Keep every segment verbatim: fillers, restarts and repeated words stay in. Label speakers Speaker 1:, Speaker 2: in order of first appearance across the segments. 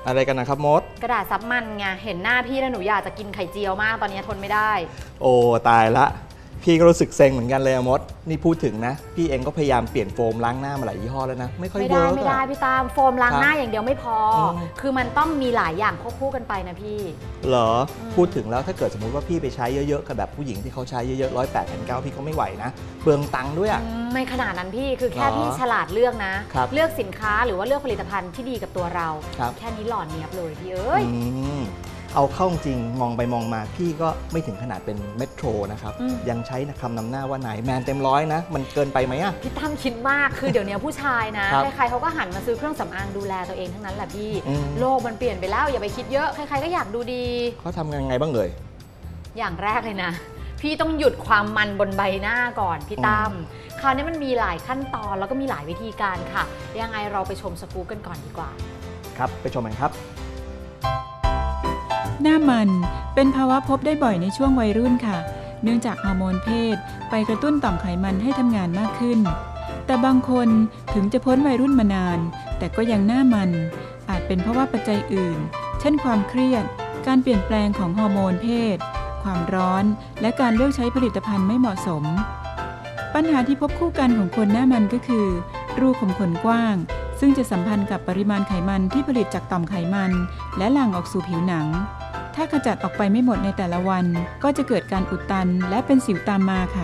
Speaker 1: อะไรกันนะครับมด
Speaker 2: กระดาษซับมันไงเห็นหน้าพี่แล้วหนูอยากจะกินไข่เจียวมากตอนนี้ทนไม่ได้
Speaker 1: โอ้ตายละพี่ก็รู้สึกเซ็งเหมือนกันเลยมดนี่พูดถึงนะพี่เองก็พยายามเปลี่ยนโฟมล้างหน้ามาหลายยี่ห้อแล้วนะไม่ค่อยเวิร์กไม่
Speaker 2: ได้ไม่ได้พี่ตามโฟมล้างหน้าอย่างเดียวไม่พอคือมันต้องมีหลายอย่างควบคู่กันไปนะพี่
Speaker 1: เหรอพูดถึงแล้วถ้าเกิดสมมติว่าพี่ไปใช้เยอะๆกับแบบผู้หญิงที่เขาใช้เยอะๆร้อยแปดพันเก้าพี่ก็ไม่ไหวนะเปลืองตังค์ด้วยอ่ะ
Speaker 2: ไม่ขนาดนั้นพี่คือแค่พี่ฉลาดเลือกนะเลือกสินค้าหรือว่าเลือกผลิตภัณฑ์ที่ดีกับตัวเราแค่นี้หล่อเนียบเลยพี่เอ้ย
Speaker 1: เอาเข้าจริงมองไปมองมาพี่ก็ไม่ถึงขนาดเป็นเมโทรนะครับยังใช้คำนำหน้าว่านายแมนเต็มร้อยนะมันเกินไปไหมอะ
Speaker 2: พี่ตั้มคิดมากคือเดี๋ยวนี้ผู้ชายนะใครๆเขาก็หันมาซื้อเครื่องสำอางดูแลตัวเองทั้งนั้นแหละพี่โลกมันเปลี่ยนไปแล้วอย่าไปคิดเยอะใครๆก็อยากดูดี
Speaker 1: เขาทำยังไงบ้างเลย
Speaker 2: อย่างแรกเลยนะพี่ต้องหยุดความมันบนใบหน้าก่อนพี่ตั้มคราวนี้มันมีหลายขั้นตอนแล้วก็มีหลายวิธีการค่ะยังไงเราไปชมสกู๊ปกันก่อนดีกว่า
Speaker 1: ครับไปชมกันครับ
Speaker 3: หน้ามันเป็นภาวะพบได้บ่อยในช่วงวัยรุ่นค่ะเนื่องจากฮอร์โมนเพศไปกระตุ้นต่อมไขมันให้ทำงานมากขึ้นแต่บางคนถึงจะพ้นวัยรุ่นมานานแต่ก็ยังหน้ามันอาจเป็นเพราะว่าปัจจัยอื่นเช่นความเครียดการเปลี่ยนแปลงของฮอร์โมนเพศความร้อนและการเลือกใช้ผลิตภัณฑ์ไม่เหมาะสมปัญหาที่พบคู่กันของคนหน้ามันก็คือรูขุมขนกว้างซึ่งจะสัมพันธ์กับปริมาณไขมันที่ผลิตจากต่อมไขมันและหลั่งออกสู่ผิวหนังถ้าขจัดออกไปไม่หมดในแต่ละวันก็จะเกิดการอุดตันและเป็นสิวตามมาค่ะ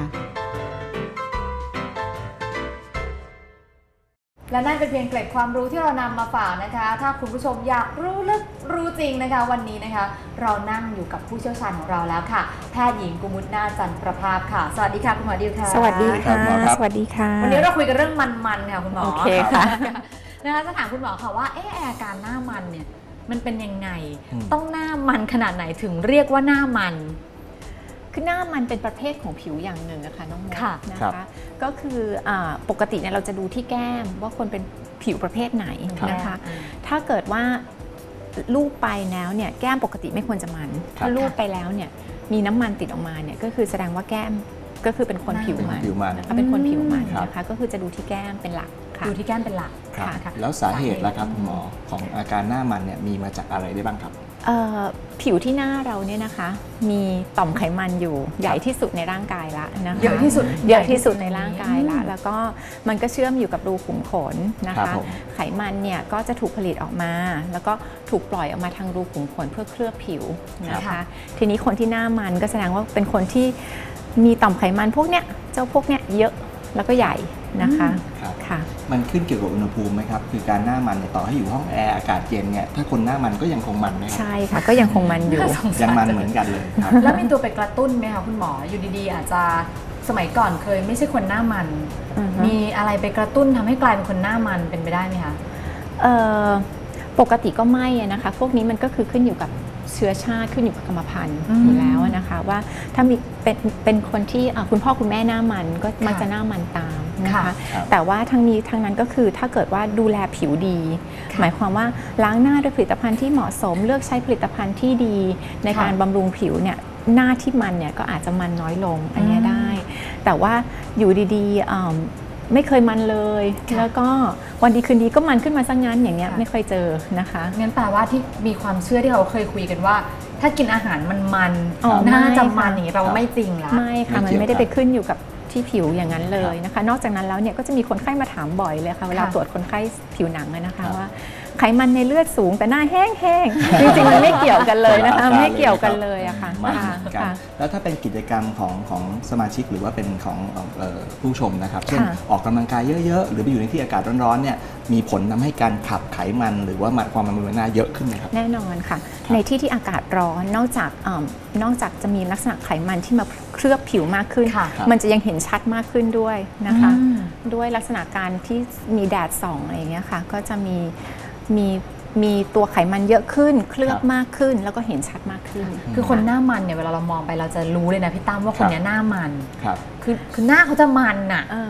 Speaker 2: และนั่นเป็นเพียงเกร็ดความรู้ที่เรานำมาฝากนะคะถ้าคุณผู้ชมอยากรู้ลึกรู้จริงนะคะวันนี้นะคะเรานั่งอยู่กับผู้เชี่ยวชาญของเราแล้วค่ะแพทย์หญิงกุมุตนาจันทร์ประภาพค่ะสวัสดีค่ะคุณหมอดิวค่ะ
Speaker 4: สวัสดีค่ะสวัสดีค่ะ
Speaker 2: วันนี้เราคุยกันเรื่องมันๆค่ะคุณหมอ
Speaker 4: โอเคค่ะ
Speaker 2: นะคะจะถามคุณหมอค่ะว่าเอออาการหน้ามันเนี่ยมันเป็นยังไงต้องหน้ามันขนาดไหนถึงเรียกว่าหน้ามัน
Speaker 4: คือหน้ามันเป็นประเภทของผิวอย่างหนึ่งนะคะน้องมดนะคะก็คือปกติเนี่ยเราจะดูที่แก้มว่าคนเป็นผิวประเภทไหนนะคะถ้าเกิดว่าลูบไปแล้วเนี่ยแก้มปกติไม่ควรจะมันถ้าลูบไปแล้วเนี่ยมีน้ำมันติดออกมาเนี่ยก็คือแสดงว่าแก้มก็คือเป็นคนผิวมันนะคะเป็นคนผิวมันนะคะก็คือจะดูที่แก้มเป็นหลัก
Speaker 2: ดูที่แก้มเป็นหลัก
Speaker 1: ค่ะแล้วสาเหตุล่ะครับคุณหมอของอาการหน้ามันเนี่ยมีมาจากอะไรได้บ้างครับ
Speaker 4: ผิวที่หน้าเราเนี่ยนะคะมีต่อมไขมันอยู่ใหญ่ที่สุดในร่างกายละนะคะ
Speaker 2: เยอะที่สุด
Speaker 4: เยอะที่สุดในร่างกายละแล้วก็มันก็เชื่อมอยู่กับรูขุมขนนะคะไขมันเนี่ยก็จะถูกผลิตออกมาแล้วก็ถูกปล่อยออกมาทางรูขุมขนเพื่อเคลือบผิวนะคะทีนี้คนที่หน้ามันก็แสดงว่าเป็นคนที่มีต่อมไขมันพวกเนี้ยเจ้าพวกเนี้ยเยอะแล้วก็ใหญ่นะคะ
Speaker 1: ค่ะมันขึ้นเกี่ยวกับอุณหภูมิไหมครับคือการหน้ามันเนี่ยต่อให้อยู่ห้องแอร์อากาศเย็นเนี่ยถ้าคนหน้ามันก็ยังคงมันไหมครับ
Speaker 4: ใช่ค่ะก็ยังคงมันอยู่
Speaker 1: ยังมันเหมือนกันเลยครับ
Speaker 2: แล้วมีตัวไปกระตุ้นไหมคะคุณหมออยู่ดีๆอาจจะสมัยก่อนเคยไม่ใช่คนหน้ามันมีอะไรไปกระตุ้นทำให้กลายเป็นคนหน้ามันเป็นไปได้ไหมคะ
Speaker 4: ปกติก็ไม่นะคะพวกนี้มันก็คือขึ้นอยู่กับเชื้อชาติขึ้นอยู่กับกรรมพันธุ์อยู่แล้วนะคะว่าถ้ามีเป็นเป็นคนที่คุณพ่อคุณแม่หน้ามันก็มักจะหน้ามันตามนะคะแต่ว่าทั้งนี้ทั้งนั้นก็คือถ้าเกิดว่าดูแลผิวดีหมายความว่าล้างหน้าด้วยผลิตภัณฑ์ที่เหมาะสมเลือกใช้ผลิตภัณฑ์ที่ดีในการบำรุงผิวเนี่ยหน้าที่มันเนี่ยก็อาจจะมันน้อยลงอันนี้ได้แต่ว่าอยู่ดีๆไม่เคยมันเลยแล้วก็วันดีคืนดีก็มันขึ้นมาซะงั้นอย่างเงี้ยไม่เคยเจอนะคะ
Speaker 2: งั้นแปลว่าที่มีความเชื่อที่เราเคยคุยกันว่าถ้ากินอาหารมันมันน่าจะมันนี่เราไม่จริงละ
Speaker 4: ไม่ค่ะมันไม่ได้ไปขึ้นอยู่กับที่ผิวอย่างนั้นเลยนะคะนอกจากนั้นแล้วเนี่ยก็จะมีคนไข้มาถามบ่อยเลยค่ะเวลาตรวจคนไข้ผิวหนังนะคะว่าไขมันในเลือดสูงแต่หน้าแห้งๆจริงๆมันไม่เกี่ยวกันเลยนะคะไม่เกี่ยวกันเลยอะค่ะ
Speaker 1: แล้วถ้าเป็นกิจกรรมของของสมาชิกหรือว่าเป็นของผู้ชมนะครับเช่นออกกำลังกายเยอะๆหรือไปอยู่ในที่อากาศร้อนๆเนี่ยมีผลทำให้การขับไขมันหรือว่าความมันบนหน้าเยอะขึ้นไหมครับ
Speaker 4: แน่นอนค่ะในที่ที่อากาศร้อนนอกจากนอกจากจะมีลักษณะไขมันที่มาเคลือบผิวมากขึ้นมันจะยังเห็นชัดมากขึ้นด้วยนะคะด้วยลักษณะการที่มีแดดส่องอะไรอย่างเงี้ยค่ะก็จะมีมีมีตัวไขมันเยอะขึ้นเคลือบมากขึ้นแล้วก็เห็นชัดมากขึ้น
Speaker 2: คือคนหน้ามันเนี่ยเวลาเรามองไปเราจะรู้เลยนะพี่ตั้มว่าคนนี้หน้ามันคือคือหน้าเขาจะมันอ่ะ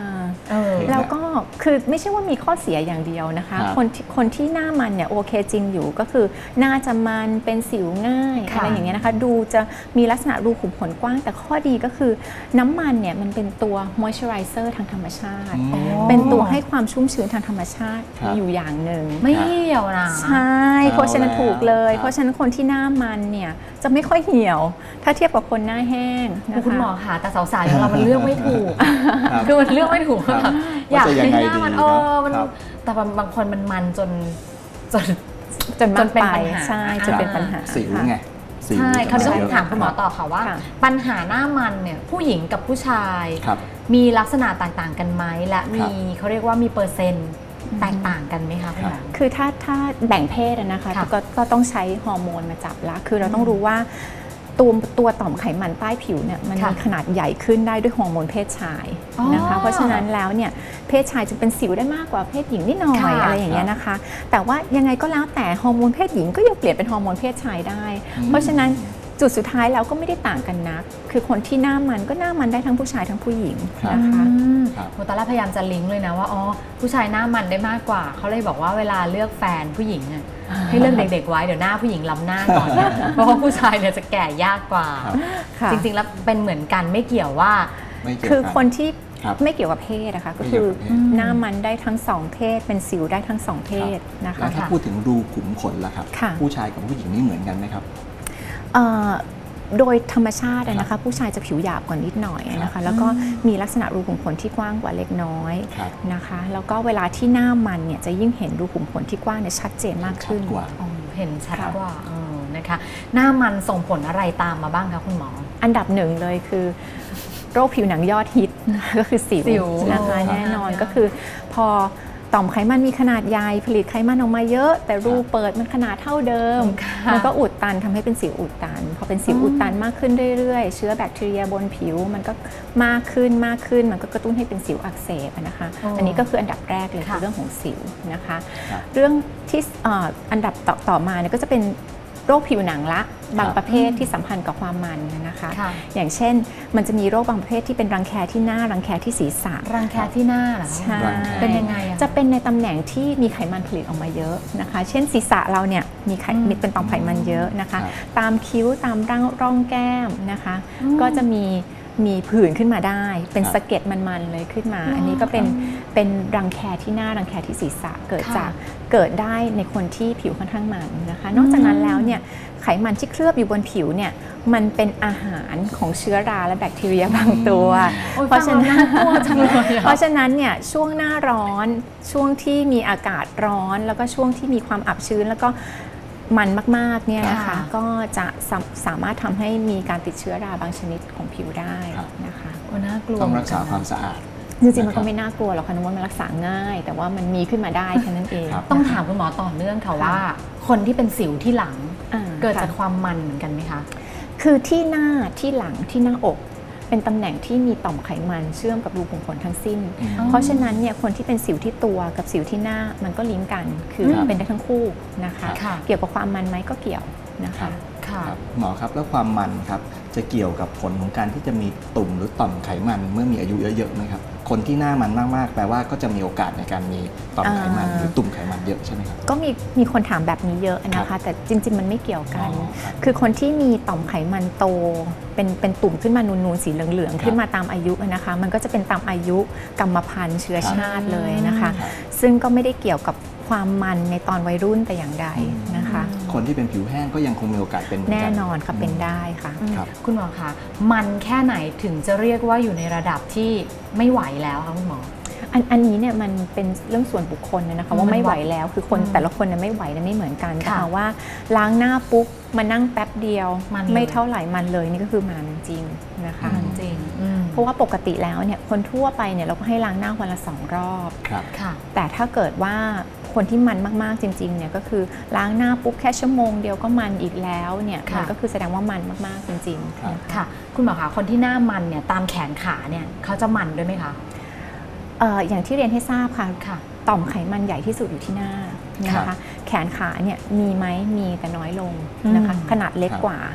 Speaker 2: เออ
Speaker 4: แล้วก็คือไม่ใช่ว่ามีข้อเสียอย่างเดียวนะคะ
Speaker 1: ครับ
Speaker 4: คนที่คนที่หน้ามันเนี่ยโอเคจริงอยู่ก็คือหน้าจะมันเป็นสิวง่าย
Speaker 2: ค่ะ
Speaker 4: อะไรอย่างเงี้ยนะคะดูจะมีลักษณะรูขุมขนกว้างแต่ข้อดีก็คือน้ำมันเนี่ยมันเป็นตัว moisturizer ทางธรรมชาติ
Speaker 1: อืม
Speaker 4: เป็นตัวให้ความชุ่มชื้นทางธรรมชาติ
Speaker 1: ครับ
Speaker 4: อยู่อย่างหนึ่ง
Speaker 2: ไม่เหี่ยวนะ
Speaker 4: ใช่เพราะฉะนั้นถูกเลย
Speaker 1: ครับ
Speaker 4: เพราะฉะนั้นคนที่หน้ามันเนี่ยจะไม่ค่อยเหี่ยว ถ้าเทียบกับคนหน้าแห้งนะคะ
Speaker 2: คุณหมอค่ะแต่สาวๆอย่างเรามันเลือกไม่ถูก
Speaker 1: ครับ
Speaker 2: คือมันเลือกไม่ถูก
Speaker 1: ครับ
Speaker 2: แบบอยาก
Speaker 1: ว่าจะยัง
Speaker 2: ให้
Speaker 1: ไง
Speaker 2: หน้ามัน
Speaker 1: ดี
Speaker 2: เออมัน
Speaker 1: ครับ
Speaker 2: แต่บางคนมันมันจนจน
Speaker 4: จน
Speaker 2: จ
Speaker 4: มาก
Speaker 2: นเป็น
Speaker 4: ไป
Speaker 2: ปัญหา
Speaker 4: ใช่จนเป็นปัญหา
Speaker 1: สิว
Speaker 4: ค่ะ
Speaker 1: ไงสิว
Speaker 2: ใช่เขาวนี้
Speaker 1: จะ
Speaker 2: ต้อง
Speaker 1: เยอะ
Speaker 2: ถามคุณหมอต่อค่ะว่า
Speaker 4: ค่ะ
Speaker 2: ปัญหาหน้ามันเนี่ยผู้หญิงกับผู้ชาย
Speaker 1: ครับ
Speaker 2: มีลักษณะต่างๆกันไหมและ
Speaker 1: ครั
Speaker 2: มี
Speaker 1: บ
Speaker 2: เขาเรียกว่ามีเปอร์เซ็นต์แตกต่างกันไหมคะคุณหมอ
Speaker 4: คือถ้าถ้าแบ่งเพศอะนะคะ
Speaker 2: ค่ะ
Speaker 4: ก็ก็ต้องใช้ฮอร์โมนมาจับละคือเราต้องรู้ว่าตัวตัวต่อมไขมันใต้ผิวเนี่ยมัน
Speaker 2: ค่ะ
Speaker 4: มีขนาดใหญ่ขึ้นได้ด้วยฮอร์โมนเพศชายนะคะ
Speaker 2: อ๋อ
Speaker 4: เพราะฉะนั้นแล้วเนี่ยเพศชายจะเป็นสิวได้มากกว่าเพศหญิงนิดหน่อย
Speaker 2: ค่ะ
Speaker 4: อะไรอย่างเงี้ยนะคะ แต่ว่ายังไงก็แล้วแต่ฮอร์โมนเพศหญิงก็ยังเปลี่ยนเป็นฮอร์โมนเพศชายได้
Speaker 1: อืม
Speaker 4: เพราะฉะนั้นจุดสุดท้ายแล้วก็ไม่ได้ต่างกันนัก คือคนที่หน้ามันก็หน้ามันได้ทั้งผู้ชายทั้งผู้หญิงนะคะ
Speaker 2: อืม
Speaker 1: ครับ
Speaker 2: โมตอนแรกพยายามจะลิงก์เลยนะว่าอ๋อผู้ชายหน้ามันได้มากกว่าเขาเลยบอกว่าเวลาเลือกแฟนผู้หญิงอะให้เลือกเด็กๆไว้เดี๋ยวหน้าผู้หญิงล้ำหน้าก่อนนะเพราะว่าผู้ชายเนี่ยจะแก่ยากกว่า
Speaker 1: ครับ
Speaker 4: ค่ะ
Speaker 2: จริงๆแล้วเป็นเหมือนกันไม่เกี่ยวว่า
Speaker 1: ไม่เกี่ยว
Speaker 4: คือ
Speaker 1: กัน
Speaker 4: คนที่
Speaker 1: ครับ
Speaker 4: ไม่เกี่ยวกับเพศนะคะก็
Speaker 1: ไม่เกี่
Speaker 4: คื
Speaker 1: ยว
Speaker 4: อ
Speaker 1: กับเพศ
Speaker 4: หน้ามันได้ทั้งสองเพศ เป็นสิวได้ทั้งสองเพศนะ
Speaker 1: แล้
Speaker 4: คะ
Speaker 1: วถ้า
Speaker 2: ค่ะ
Speaker 1: พูดถึงรูขุมขนล่ะครับ
Speaker 4: ค่ะ
Speaker 1: ผู้ชายกับผู้หญิงนี่เหมือนกันไหมครับ
Speaker 4: เอ่อโดยธรรมชาติอะนะคะผู้ชายจะผิวหยาบกว่านิดหน่อยนะคะแล้วก็มีลักษณะรูขุมขนที่กว้างกว่าเล็กน้อย
Speaker 1: ครับ
Speaker 4: นะคะแล้วก็เวลาที่หน้ามันเนี่ยจะยิ่งเห็นรูขุมขนที่กว้างเนี่ยชัดเจนมากขึ้น
Speaker 1: ชัดกว่า
Speaker 2: อ๋อเห็นชัด
Speaker 1: ครับ
Speaker 2: กว่าเออนะคะหน้ามันส่งผลอะไรตามมาบ้างคะคุณหมอ
Speaker 4: อันดับหนึ่งเลยคือโรคผิวหนังยอดฮิตก็คือสิว
Speaker 2: สิว
Speaker 4: นะคะ
Speaker 2: อ๋อ
Speaker 4: แน่นอน
Speaker 2: ค่ะ
Speaker 4: ก็คือพอต่อมไขมันมีขนาดใหญ่ผลิตไขมันออกมาเยอะ แต่รูเปิดมันขนาดเท่าเดิม
Speaker 2: ค่ะ
Speaker 4: มันก็อุดตันทำให้เป็นสิวอุดตัน พอเป็นสิว
Speaker 2: อืม
Speaker 4: อุดตันมากขึ้นเรื่อยๆ เชื้อแบคทีเรียบนผิวมันก็มากขึ้นมากขึ้น มันก็กระตุ้นให้เป็นสิวอักเสบอะนะคะ
Speaker 2: อ๋ออั
Speaker 4: อันนี้ก็คืออันดับแรกเลย
Speaker 2: ค่ะ
Speaker 4: คือเรื่องของสิวนะคะ
Speaker 1: ครับ
Speaker 4: เรื่องที่เอ่ออันดับต่อต่อมาเนี่ยก็จะเป็นโรคผิวหนังละบาง
Speaker 1: ครับ
Speaker 4: ประเภทที่สัมพันธ์กับความมันนะคะ
Speaker 2: ค่ะ
Speaker 4: อย่างเช่นมันจะมีโรคบางประเภทที่เป็นรังแคที่หน้ารังแคที่ศีรษะ
Speaker 2: รังแคที่หน้าเหรอคะ
Speaker 4: ใช่
Speaker 1: รังแค
Speaker 2: เป็นยังไงอะ
Speaker 4: จะเป็นในตำแหน่งที่มีไขมันผลิตออกมาเยอะนะคะ เช่นศีรษะเราเนี่ยมีไข
Speaker 2: อืม
Speaker 4: มีเป็นต่อมไขมันเยอะนะคะ
Speaker 1: ครับ
Speaker 4: ตามคิ้วตามร่องร่องแก้มนะคะ
Speaker 2: อืม
Speaker 4: ก็จะมีมีผื่นขึ้นมาได้ เป็น
Speaker 1: ครับ
Speaker 4: สะเก็ดมันๆเลยขึ้นมา
Speaker 2: อ๋ออั
Speaker 4: อันนี้ก็เป็น
Speaker 2: ครับ
Speaker 4: เป็นรังแคที่หน้ารังแคที่ศีรษะเกิด
Speaker 2: ค่ะ
Speaker 4: จากเกิดได้ในคนที่ผิวค่อนข้างมันนะคะ นอกจากนั้นแล้วเนี่ยไขมันที่เคลือบอยู่บนผิวเนี่ยมันเป็นอาหารของเชื้อราและแบคทีเรียบางตัว
Speaker 2: โอ้ย
Speaker 4: เพราะฉะนั้น
Speaker 2: ฟังแล้วน่ากลัวจังเลยอะ
Speaker 4: เพราะฉะนั้นเนี่ยช่วงหน้าร้อนช่วงที่มีอากาศร้อน แล้วก็ช่วงที่มีความอับชื้นแล้วก็มันมากๆเนี่ยนะคะ
Speaker 2: ค่ะ
Speaker 4: ก็จะสาสามารถทำให้มีการติดเชื้อราบางชนิดของผิวได้
Speaker 1: ครับ
Speaker 4: นะคะ
Speaker 2: โอ้น่ากลัว
Speaker 1: ต้องรักษา
Speaker 2: เห
Speaker 1: ค
Speaker 2: มื
Speaker 1: วา
Speaker 2: อน
Speaker 1: มสะอาด
Speaker 4: จริงๆมัน
Speaker 1: นะครับ
Speaker 4: ก็ไม่น่ากลัวหรอกค่ะนุ้มันรักษาง่าย แต่ว่ามันมีขึ้นมาได้แค่นั้นเอง
Speaker 1: ครับ
Speaker 2: ต้องถามคุณหมอต่อเนื่องค่ะ
Speaker 4: ค่ะ
Speaker 2: ว่า คนที่เป็นสิวที่หลัง
Speaker 4: อ่า
Speaker 2: เกิดจาก
Speaker 4: ค่ะ
Speaker 2: ความมันเหมือนกันไหมคะ
Speaker 4: คือที่หน้าที่หลังที่หน้าอก เป็นตำแหน่งที่มีต่อมไขมันเชื่อมกับรูขุมขนทั้งสิ้น
Speaker 1: อืม
Speaker 2: อ๋อ
Speaker 4: เพราะฉะนั้นเนี่ยคนที่เป็นสิวที่ตัวกับสิวที่หน้ามันก็ลิงก์กัน คือ
Speaker 1: ครับ
Speaker 4: เป็นได้ทั้งคู่นะคะ
Speaker 2: ค่ะ
Speaker 4: เกี่ยวกับความมันไหมก็เกี่ยวนะ
Speaker 1: ครั
Speaker 4: คะ
Speaker 1: บ
Speaker 2: ค่ะ
Speaker 1: ครับหมอครับแล้วความมันครับจะเกี่ยวกับผลของการที่จะมีตุ่มหรือต่อมไขมันเมื่อมีอายุเยอะๆไหมครับคนที่หน้ามันมากๆแปลว่าก็จะมีโอกาสในการมีต่อมไขมัน
Speaker 4: อ่า
Speaker 1: หรือตุ่มไขมันเยอะใช่ไหมครับ
Speaker 4: ก็มีมีคนถามแบบนี้เยอะนะ
Speaker 1: ครั
Speaker 4: คะ
Speaker 1: บ
Speaker 4: แต่จริง ๆ มันไม่เกี่ยวกัน
Speaker 1: อ๋อครับ
Speaker 4: คือคนที่มีต่อมไขมันโต เป็นเป็นตุ่มขึ้นมานูนๆสีเหลือง
Speaker 1: ครับ
Speaker 4: ๆขึ้นมาตามอายุนะคะ มันก็จะเป็นตามอายุกรรมพันธุ์เชื้อชาติเลยนะคะ
Speaker 1: ครับ
Speaker 4: ซึ่งก็ไม่ได้เกี่ยวกับความมันในตอนวัยรุ่นแต่อย่างใดนะคะ
Speaker 1: คนที่เป็นผิวแห้งก็ยังคงมีโอกาสเป็นเหมืกั
Speaker 4: แน่นอนค่ะเป็นได้ค่ะ
Speaker 1: ครับ
Speaker 2: คุณหมอคะมันแค่ไหนถึงจะเรียกว่าอยู่ในระดับที่ไม่ไหวแล้วคะคุณหมอ
Speaker 4: อันอันนี้เนี่ยมันเป็นเรื่องส่วนบุคคลเลยนะคะ
Speaker 2: อืม
Speaker 4: ว่าไม่ไหวแล้วคือคน
Speaker 2: อืม
Speaker 4: แต่ละคนเนี่ยไม่ไหวและไม่เหมือนกันแต่
Speaker 2: ค่ะ
Speaker 4: เอาว่าล้างหน้าปุ๊บมานั่งแป๊บเดียว
Speaker 2: มันเลย
Speaker 4: ไม่เท่าไหร่มันเลยนี่ก็คือมันจริงนะคะ
Speaker 2: มันจริงอืม
Speaker 4: เพราะว่าปกติแล้วเนี่ยคนทั่วไปเนี่ยเราก็ให้ล้างหน้าวันละสองรอบ
Speaker 1: ครับ
Speaker 2: ค่ะ
Speaker 4: แต่ถ้าเกิดว่าคนที่มันมากๆจริงๆเนี่ยก็คือล้างหน้าปุ๊บแค่ชั่วโมงเดียวก็มันอีกแล้วเนี่ย
Speaker 2: ค่ะ
Speaker 4: มันก็คือแสดงว่ามันมากๆจริง
Speaker 1: ครับ
Speaker 4: ๆนะคะ
Speaker 2: ค่ะ คุณหมอคะคนที่หน้ามันเนี่ยตามแขนขาเนี่ยเขาจะมันด้วยไหมคะ
Speaker 4: เอ่ออย่างที่เรียนให้ทราบค่ะ
Speaker 2: ค่ะ
Speaker 4: ต่อมไขมันใหญ่ที่สุดอยู่ที่หน้านะ
Speaker 1: ครั
Speaker 4: คะ
Speaker 1: บ
Speaker 4: แขนขาเนี่ยมีไหมมีแต่น้อยลงนะคะ
Speaker 2: อืม
Speaker 4: ขนาดเล็ก
Speaker 1: ครับ
Speaker 4: กว่า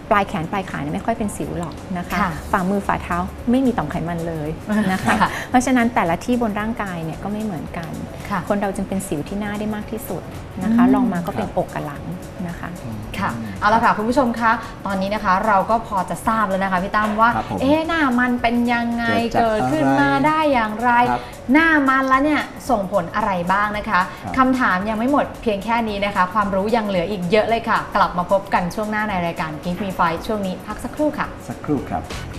Speaker 4: ปลายแขนปลายขาเนี่ยไม่ค่อยเป็นสิวหรอกนะคะ
Speaker 2: ค่ะ
Speaker 4: ฝ่ามือฝ่าเท้าไม่มีต่อมไขมันเลยนะคะ
Speaker 2: ค่ะ
Speaker 4: เพราะฉะนั้นแต่ละที่บนร่างกายเนี่ยก็ไม่เหมือนกัน
Speaker 2: ค่ะ
Speaker 4: คนเราจึงเป็นสิวที่หน้าได้มากที่สุดนะคะ
Speaker 2: อืม
Speaker 4: ลองมาก็เป็นอกกับหลังนะคะ
Speaker 2: ค่ะเอาละค่ะคุณผู้ชมคะตอนนี้นะคะเราก็พอจะทราบแล้วนะคะพี่ตั้มว่า
Speaker 1: ครับผม
Speaker 2: เอ๊ะหน้ามันเป็นยังไง
Speaker 1: เกิ
Speaker 2: เกิ
Speaker 1: ด
Speaker 2: ด
Speaker 1: จาก
Speaker 2: ขึ้นมาได้อย่างไร
Speaker 1: ครับ
Speaker 2: หน้ามันแล้วเนี่ยส่งผลอะไรบ้างนะคะ
Speaker 1: ครับ
Speaker 2: คำถามยังไม่หมดเพียงแค่นี้นะคะ ความรู้ยังเหลืออีกเยอะเลยค่ะ กลับมาพบกันช่วงหน้าในรายการ Give Me Five ช่วงนี้พักสักครู่ค่ะ
Speaker 1: สักครู่ครับ